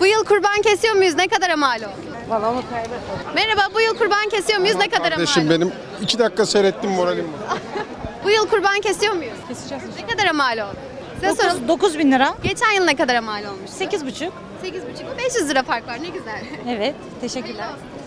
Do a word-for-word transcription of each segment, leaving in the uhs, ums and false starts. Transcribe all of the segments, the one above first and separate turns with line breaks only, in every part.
Bu yıl kurban kesiyor muyuz? Ne kadara mal oldu?
Valla onu kaybettim.
Merhaba, bu yıl kurban kesiyor muyuz? Ne kadara mal
Kardeşim
oldu?
benim iki dakika seyrettim moralim var.
Bu yıl kurban kesiyor muyuz?
Keseceğiz.
Ne kadara mal oldu? Size soralım.
dokuz bin lira.
Geçen yıl ne kadara mal olmuş?
sekiz buçuk.
sekiz buçuk beş yüz lira fark var. Ne güzel.
Evet. Teşekkürler.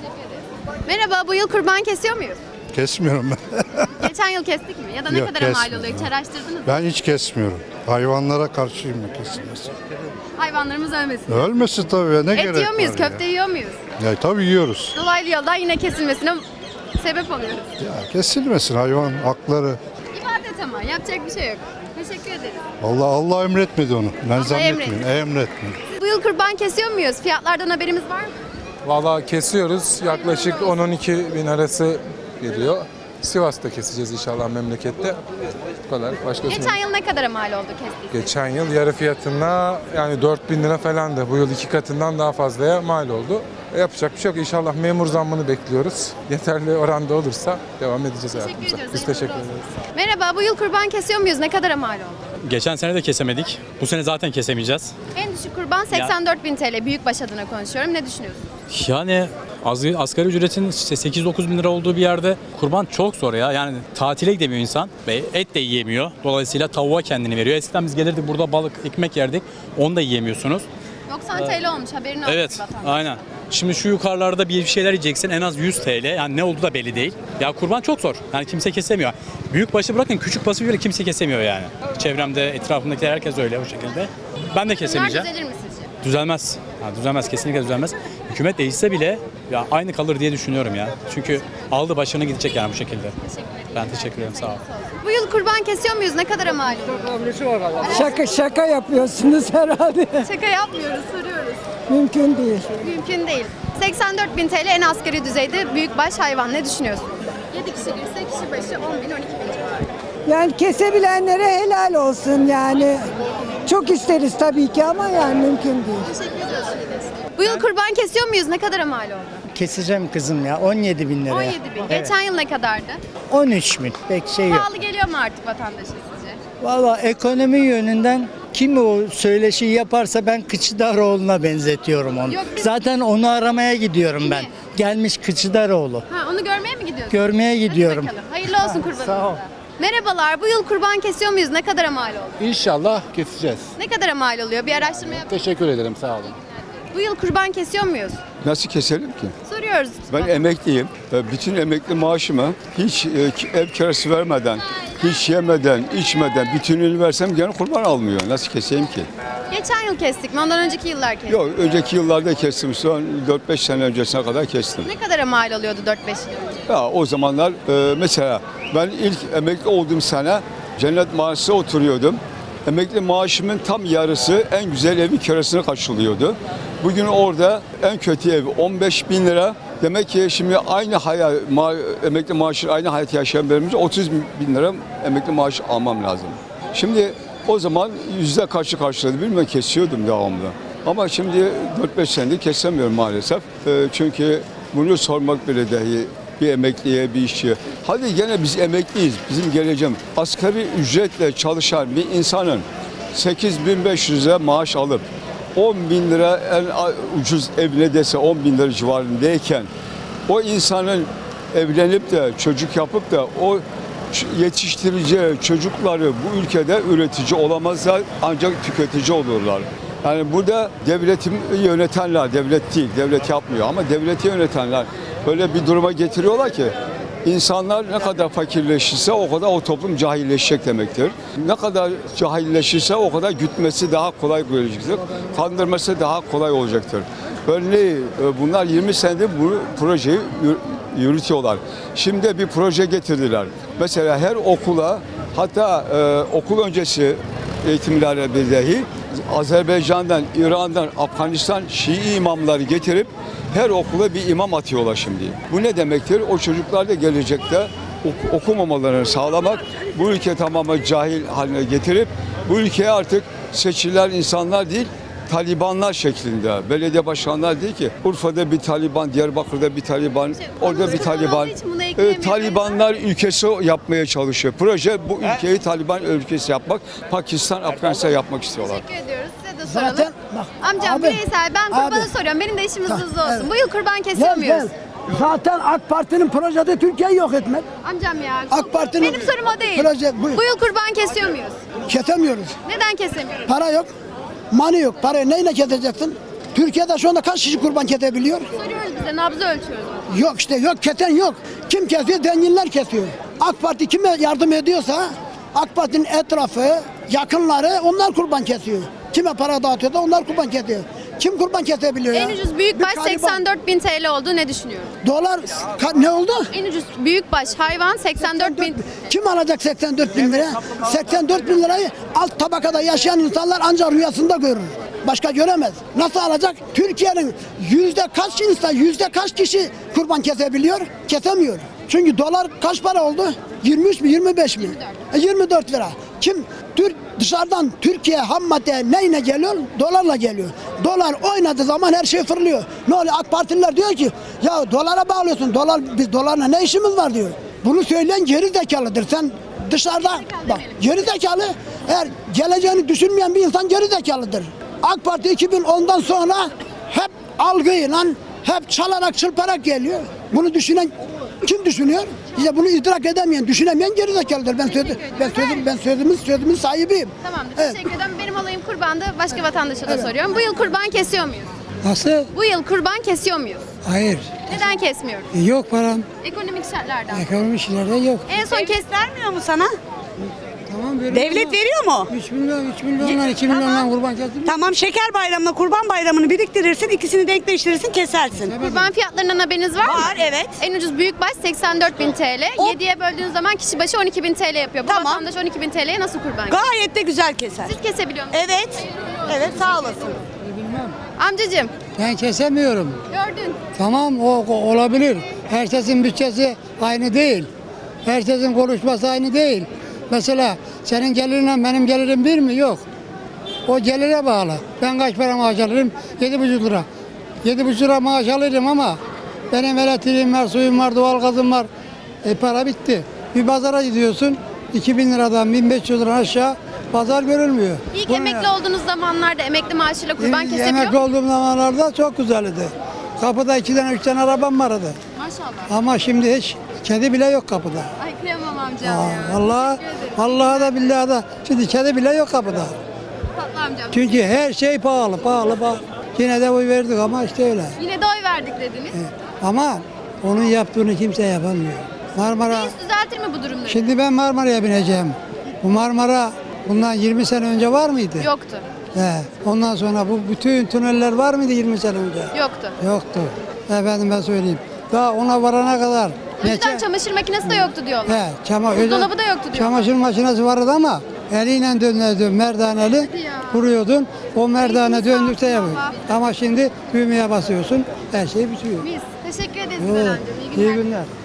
Merhaba, bu yıl kurban kesiyor muyuz?
Kesmiyorum ben.
Geçen yıl kestik mi? Ya da ne
Yok,
kadara mal
kesmiyorum.
oluyor? Hiç araştırdınız mı?
Ben hiç kesmiyorum. Hayvanlara karşıyım ya kesilmesi.
Hayvanlarımız ölmesin.
Ölmesi tabii ya, ne
Et
gerek
yiyor muyuz?
var ya?
Köfte yiyor muyuz?
Ya tabii yiyoruz.
Dolaylı yoldan yine kesilmesine sebep oluyoruz.
Ya kesilmesin, hayvan hakları.
İbadet ama yapacak bir şey yok. Teşekkür ederiz.
Allah Allah emretmedi onu. Ben zannetmiyorum.
emretti.
Emretmedi.
Bu yıl kurban kesiyor muyuz? Fiyatlardan haberimiz var mı?
Valla kesiyoruz. Yaklaşık on on iki bin arası geliyor. Sivas'ta keseceğiz inşallah memlekette. Bu kadar. Başkası
Geçen yıl ne kadara mal oldu kestik?
Geçen yıl yarı fiyatına yani dört bin lira falandı. Bu yıl iki katından daha fazlaya mal oldu. E, yapacak bir şey yok. İnşallah memur zammını bekliyoruz. Yeterli oranda olursa devam edeceğiz
Teşekkür
hayatımıza.
ediyoruz.
Biz
Hayırlı
teşekkür
olsun.
ederiz.
Merhaba, bu yıl kurban kesiyor muyuz? Ne kadara mal oldu?
Geçen sene de kesemedik. Bu sene zaten kesemeyeceğiz.
En düşük kurban seksen dört bin T L. Büyükbaş adına konuşuyorum. Ne düşünüyorsunuz?
Yani az, asgari ücretin işte sekiz dokuz bin lira olduğu bir yerde kurban çok zor ya. Yani tatile gidemiyor insan ve et de yiyemiyor. Dolayısıyla tavuğa kendini veriyor. Eskiden biz gelirdik burada balık, ekmek yerdik. Onu da yiyemiyorsunuz.
doksan T L olmuş. Haberin olsun
Evet,
vatandaş.
aynen. Şimdi şu yukarılarda bir şeyler yiyeceksin en az yüz T L. Yani ne olduğu da belli değil. Ya kurban çok zor. Yani kimse kesemiyor. Büyük başı bırakın küçük başı bile kimse kesemiyor yani. Çevremde, etrafımdakiler herkes öyle o şekilde. Ben de
Bunlar
kesemeyeceğim.
düzelir mi sizce?
Düzelmez. Ya düzelmez, kesinlikle düzelmez. Hükümet değişse bile ya aynı kalır diye düşünüyorum ya. Çünkü aldı başını gidecek yani bu şekilde. Ben teşekkür ederim, sağ ol.
Bu yıl kurban kesiyor muyuz? Ne kadara mal oluyor?
Şaka şaka yapıyorsunuz herhalde.
Şaka yapmıyoruz, soruyoruz.
Mümkün değil.
Mümkün değil. seksen dört bin T L en asgari düzeyde büyükbaş hayvan. Ne düşünüyorsunuz? yedi kişi girse kişi başı on bin on iki bin civarı.
Yani kesebilenlere helal olsun yani. Çok isteriz tabii ki ama yani mümkün değil.
Teşekkür ediyoruz. Bu yıl kurban kesiyor muyuz? Ne kadara mal oldu?
Keseceğim kızım ya on yedi bin liraya.
on yedi bin.
Evet.
Geçen yıl ne kadardı?
on üç bin pek şey yok.
Pahalı geliyor mu artık vatandaşa sizce?
Valla ekonomi yönünden kim o söyleşi yaparsa ben Kıçıdaroğlu'na benzetiyorum onu.
Yok, biz-
Zaten onu aramaya gidiyorum ben.
Kimi?
Gelmiş Kıçıdaroğlu.
Ha, onu görmeye mi gidiyorsunuz?
Görmeye
Hadi
gidiyorum.
bakalım. Hayırlı olsun kurbanınıza.
sağ ol.
Merhabalar. Bu yıl kurban kesiyor muyuz? Ne kadara mal oldu?
İnşallah keseceğiz.
Ne kadara mal oluyor? Bir araştırma yap.
Teşekkür ederim, sağ olun.
Bu yıl kurban kesiyor muyuz?
Nasıl keselim ki?
Soruyoruz.
Ben emekliyim. Ve bütün emekli maaşımı hiç e, ev kirası vermeden, hiç yemeden, içmeden bütününü versem gene kurban almıyor. Nasıl keseyim ki?
Geçen yıl kestik mi? Ondan önceki yıllar kestik.
Yok, önceki yıllarda kestim. Son dört beş sene öncesine kadar kestim.
Ne kadara mal oluyordu dört beş yıl önce?
Ya o zamanlar e, mesela ben ilk emekli olduğum sene Cennet Mahallesi'nde oturuyordum. Emekli maaşımın tam yarısı en güzel evin kirasını karşılıyordu. Bugün orada en kötü ev on beş bin lira. Demek ki şimdi aynı hayat, ma, emekli maaşı aynı hayat yaşayan benim otuz bin lira emekli maaşı almam lazım. Şimdi o zaman yüzde kaçı karşıladı bilmiyorum, kesiyordum devamlı. Ama şimdi dört beş senedir kesemiyorum maalesef. E, çünkü bunu sormak bile dahi bir emekliye, bir işçiye. Hadi gene biz emekliyiz, bizim geleceğim. Asgari ücretle çalışan bir insanın sekiz bin beş yüz lira maaş alıp on bin lira en ucuz evine dese on bin lira civarındayken o insanın evlenip de çocuk yapıp da o yetiştireceği çocukları bu ülkede üretici olamazlar, ancak tüketici olurlar. Yani burada devleti yönetenler, devlet değil, devlet yapmıyor ama devleti yönetenler böyle bir duruma getiriyorlar ki insanlar ne kadar fakirleşirse o kadar o toplum cahilleşecek demektir. Ne kadar cahilleşirse o kadar gütmesi daha kolay olacaktır. Kandırması daha kolay olacaktır. Örneğin bunlar yirmi senedir bu projeyi yürütüyorlar. Şimdi bir proje getirdiler. Mesela her okula, hatta e, okul öncesi eğitimlerde dahi Azerbaycan'dan, İran'dan, Afganistan Şii imamları getirip her okula bir imam atıyorlar şimdi. Bu ne demektir? O çocuklar da gelecekte ok- okumamalarını sağlamak, bu ülke tamamen cahil haline getirip bu ülkeye artık seçilen insanlar değil, Talibanlar şeklinde. Belediye başkanlar değil ki Urfa'da bir Taliban, Diyarbakır'da bir Taliban, orada bir Taliban. E, Talibanlar ülkesi yapmaya çalışıyor. Proje bu ülkeyi Taliban ülkesi yapmak, Pakistan, Afganistan yapmak istiyorlar.
Teşekkür ediyoruz. Size de soralım.
Zaten bak,
Amcam
abi,
bireysel ben kurbanı
abi.
soruyorum. Benim de işimiz
Ha,
hızlı olsun.
evet.
Bu yıl kurban kesiyor
Gel
muyuz?
gel. Zaten AK Parti'nin projesi Türkiye'yi yok etmek.
Amcam ya.
AK Parti'nin
Benim sorum o değil.
proje- buyur.
Bu yıl kurban kesiyor muyuz?
Kesemiyoruz.
Neden kesemiyoruz?
Para yok. Mani yok. Parayı neyle keseceksin? Türkiye'de şu anda kaç kişi kurban kesebiliyor?
Soruyoruz bize, nabzı ölçüyoruz.
Yok işte yok, kesen yok. Kim kesiyor? Zenginler kesiyor. AK Parti kime yardım ediyorsa AK Parti'nin etrafı, yakınları onlar kurban kesiyor. Kime para dağıtıyorsa onlar kurban kesiyor. Kim kurban kesebiliyor ya?
En ucuz büyükbaş
Bir gariban-
seksen dört bin T L oldu. Ne düşünüyorsun?
Dolar ka- ne oldu?
En ucuz büyükbaş hayvan seksen dört bin.
Kim alacak seksen dört bin lira? seksen dört bin lirayı alt tabakada yaşayan insanlar ancak rüyasında görür. Başka göremez. Nasıl alacak? Türkiye'nin yüzde kaç insan, yüzde kaç kişi kurban kesebiliyor? Kesemiyor. Çünkü dolar kaç para oldu? yirmi üç mi, yirmi beş mi? E, yirmi dört lira. Kim? Türk dışarıdan Türkiye ham madde neyle geliyor? Dolarla geliyor. Dolar oynadığı zaman her şey fırlıyor. Ne oluyor? AK Partililer diyor ki ya dolara bağlıyorsun. Dolar biz dolarla ne işimiz var diyor. Bunu söyleyen geri zekalıdır. Sen dışarıda bak geri zekalı, eğer geleceğini düşünmeyen bir insan geri zekalıdır. AK Parti iki bin ondan sonra hep algıyla, hep çalarak çırparak geliyor. Bunu düşünen kim düşünüyor? İşte bunu idrak edemeyen, düşünemeyen gerizekalıdır. Ben sözü, ben sözüm, ben sözümün sözümün sahibiyim.
Tamamdır.
Evet.
Teşekkür ederim. Benim olayım kurbandı. Başka vatandaşa da soruyorum. Bu yıl kurban kesiyor muyuz?
Nasıl?
Bu yıl kurban kesiyor muyuz?
Hayır.
Neden kesmiyoruz?
Yok param.
Ekonomik şartlardan.
Ekonomi işlerde yok.
En son kes
Vermiyor mu sana?
Tamam veriyor
Devlet veriyor mu?
üç milyon, üç milyondan, iki milyondan kurban kestim.
Tamam, şeker bayramına kurban bayramını biriktirirsin, ikisini denkleştirirsin, kesersin.
kurban fiyatlarından haberiniz var mı?
Var, evet.
En ucuz büyükbaş seksen dört bin T L.
O-
yediye böldüğünüz zaman kişi başı on iki bin T L yapıyor. Bu
Tamam.
vatandaş on iki bin T L'ye nasıl kurban kesiyor?
Gayet de güzel keser.
Siz kesebiliyor musunuz?
Evet. Evet, sağ olasın.
Amcacığım
Ben kesemiyorum.
gördün.
Tamam o, o olabilir. Herkesin bütçesi aynı değil. Herkesin konuşması aynı değil. Mesela senin gelirinle benim gelirim bir mi? Yok. O gelire bağlı. Ben kaç para maaş alırım? Yedi buçuk lira. Yedi buçuk lira maaş alırım ama benim elektriğim var, suyum var, doğalgazım var. E para bitti. Bir pazara gidiyorsun. iki bin liradan bin beş yüz lira aşağı pazar görülmüyor.
İlk
Bunu
emekli
ya-
olduğunuz zamanlarda emekli maaşıyla kurban
İlk
kesebiliyor
Emekli
musunuz?
olduğum zamanlarda çok güzeldi. Kapıda iki tane üç tane arabam vardı.
Maşallah.
Ama şimdi hiç kedi bile yok kapıda.
Ay kıyamam amcam
Aa,
ya.
vallahi,
Teşekkür ederim.
vallahi da billahi da şimdi kedi bile yok kapıda.
Tatlı amcam.
Çünkü her şey pahalı, pahalı, pahalı. Yine de oy verdik ama işte öyle.
Yine de oy verdik dediniz.
Ama onun yaptığını kimse yapamıyor. Marmara,
Reis düzeltir mi bu durumları?
şimdi ben Marmara'ya bineceğim. Bu Marmara bundan yirmi sene önce var mıydı?
Yoktu.
He. Ondan sonra bu bütün tüneller var mıydı yirmi sene önce?
Yoktu.
Yoktu. Efendim ben söyleyeyim. Daha ona varana kadar.
O yüzden
Nece-
çamaşır makinesi de yoktu diyorlar.
He, çama,
Buzdolabı da yoktu diyorlar.
Çamaşır makinesi vardı ama eliyle dönüyordun merdaneli
ya.
kuruyordun. O merdane
Eğitim
döndükçe
sağlığı
yapıyor.
ama.
Ama şimdi düğmeye basıyorsun her şey bitiyor.
Biz. Teşekkür ederiz
Oo,
Güzel amcam. İyi günler.
İyi günler.